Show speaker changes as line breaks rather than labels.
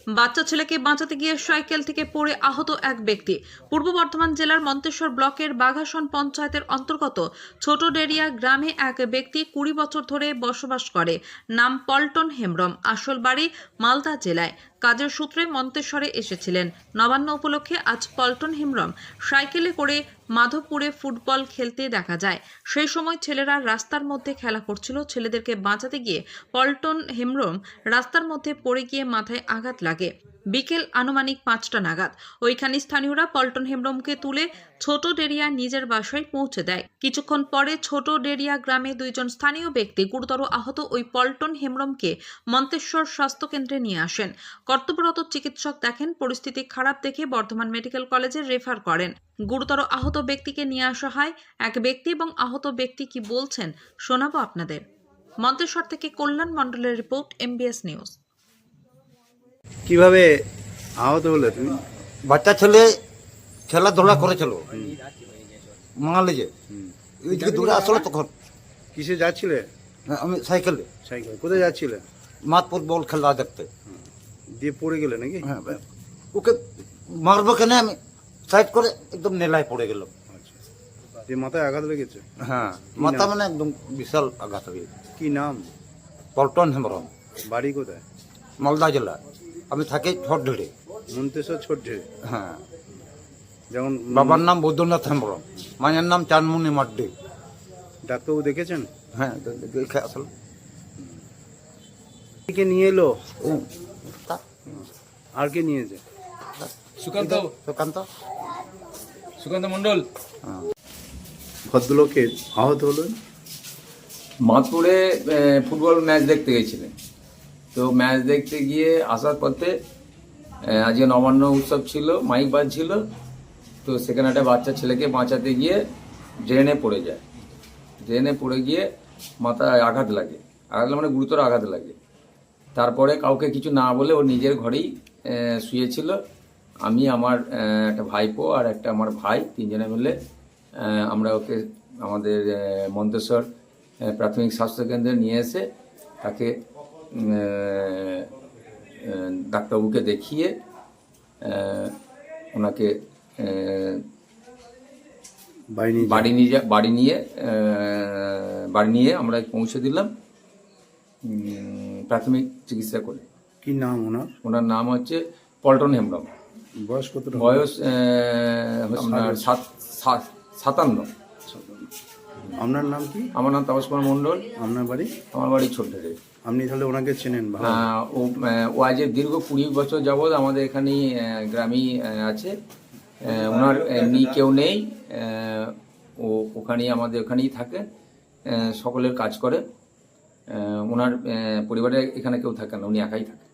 বাচ্চা ছেলেকে বাঁচাতে গিয়ে সাইকেল থেকে পড়ে আহত এক ব্যক্তি। পূর্ব বর্ধমান জেলার মন্তেশ্বর ব্লকের বাঘাসন পঞ্চায়েতের অন্তর্গত ছোট ডেরিয়া গ্রামে এক ব্যক্তি 20 বছর ধরে বসবাস করে। নাম পল্টন হেমব্রম। আসল বাড়ি মালদা জেলায়। কাজের সূত্রে মন্তেশ্বরে এসেছিলেন। নবান্ন উপলক্ষে আজ পল্টন হেমব্রম সাইকেলে করে মাধবপুরে ফুটবল খেলতে দেখা যায়। সেই সময় ছেলেরা রাস্তার মধ্যে খেলা করছিল। ছেলেদেরকে বাঁচাতে গিয়ে পল্টন হেমব্রম রাস্তার মধ্যে পড়ে গিয়ে মাথায় আঘাত লাগে। বিকেল আনুমানিক 5টা নাগাদ ওইখানে স্থানীয়রা পল্টন হেমব্রমকে তুলে ছোট ডেরিয়া নিজের বাসায় পৌঁছে দেয়। কিছুক্ষণ পরে ছোট ডেরিয়া গ্রামে 2 জন স্থানীয় ব্যক্তি গুরুতর আহত ওই পল্টন হেমব্রমকে মন্তেশ্বর স্বাস্থ্য কেন্দ্রে নিয়ে আসেন। কর্তব্যরত চিকিৎসক দেখেন পরিস্থিতি খারাপ দেখে বর্ধমান মেডিকেল কলেজে রেফার করেন। গুরুতর আহত ব্যক্তিকে নিয়ে আসা হয়। এক ব্যক্তি এবং আহত ব্যক্তি কি বলছেন শোনাবো আপনাদের। মন্তেশ্বর থেকে কল্যাণ মণ্ডলের রিপোর্ট, MBS নিউজ।
কিভাবে আহত হলে তুমি?
বাচ্চা ছেলে খেলাধুলা করেছিল মাঙালিজে ওইদিকে দূরে আসলো তখন
কিসে যাচ্ছিলে?
আমি সাইকেলে
সাইকেল। কোথায় যাচ্ছিলে?
মাঠ ফুটবল খেলা দেখতে।
দিয়ে পড়ে গেলে নাকি?
হ্যাঁ, ওকে মারবো কেন আমি সাইড করে একদম নেলায় পড়ে গেল।
আচ্ছা, দিয়ে মাথায় আঘাত লেগেছে?
হ্যাঁ, মাথা মানে একদম বিশাল আঘাত হয়ে গেছে।
কি নাম?
পল্টন হেমব্রম,
বাড়ি কোথায়?
মালদা জেলা। আমি থাকি ছোট ঢেড়ে।
মন্তেশ্বর ছোট্টে।
হ্যাঁ,
যেমন
বাবার নাম বৈদ্যনাথ হেমব্রম, মায়ের নাম চানমুনি মাড্ডি।
ডাক্তারবাবু দেখেছেন?
হ্যাঁ, দেখে আসলো।
কে নিয়ে এলো?
ও,
আর কে নিয়েছে?
সুকান্ত
সুকান্ত।
সুকান্ত মন্ডল।
ভদ্রলোকের আহত হলো?
মাধপুরে ফুটবল ম্যাচ দেখতে গেছিলেন। তো ম্যাচ দেখতে গিয়ে আসার পথে আজকে নবান্ন উৎসব ছিল, মাইক বাজছিল। তো সেখানে একটা বাচ্চা ছেলেকে বাঁচাতে গিয়ে ড্রেনে পড়ে যায়। ড্রেনে পড়ে গিয়ে মাথায় আঘাত লাগে। আঘাত মানে গুরুতর আঘাত লাগে। তারপরে কাউকে কিছু না বলে ও নিজের ঘরেই শুয়েছিল। আমি, আমার একটা ভাইপো আর একটা আমার ভাই, 3 জনে মিলে আমরা ওকে আমাদের মন্তেশ্বর প্রাথমিক স্বাস্থ্যকেন্দ্রে নিয়ে এসে তাকে ডাক্তারবাবুকে দেখিয়ে ওনাকে বাড়ি নিয়ে আমরা পৌঁছে দিলাম প্রাথমিক চিকিৎসা করে।
কি নাম ওনার?
ওনার নাম হচ্ছে পল্টন হেমব্রম।
বয়স কত?
বয়স আপনার 57।
আপনার নাম কি?
আমার নাম তাপস কুমার মণ্ডল।
আপনার বাড়ি?
আমার বাড়ি ছোট্টে।
আপনি তাহলে ওনাকে চেনেন?
ও আজ দীর্ঘ 20 বছর যাবৎ আমাদের এখানেই গ্রামেই আছে। ওনার এমনি কেউ নেই, ও ওখানেই আমাদের ওখানেই থাকে, সকলের কাজ করে। ওনার পরিবারে এখানে কেউ থাকে না, উনি একাই থাকে।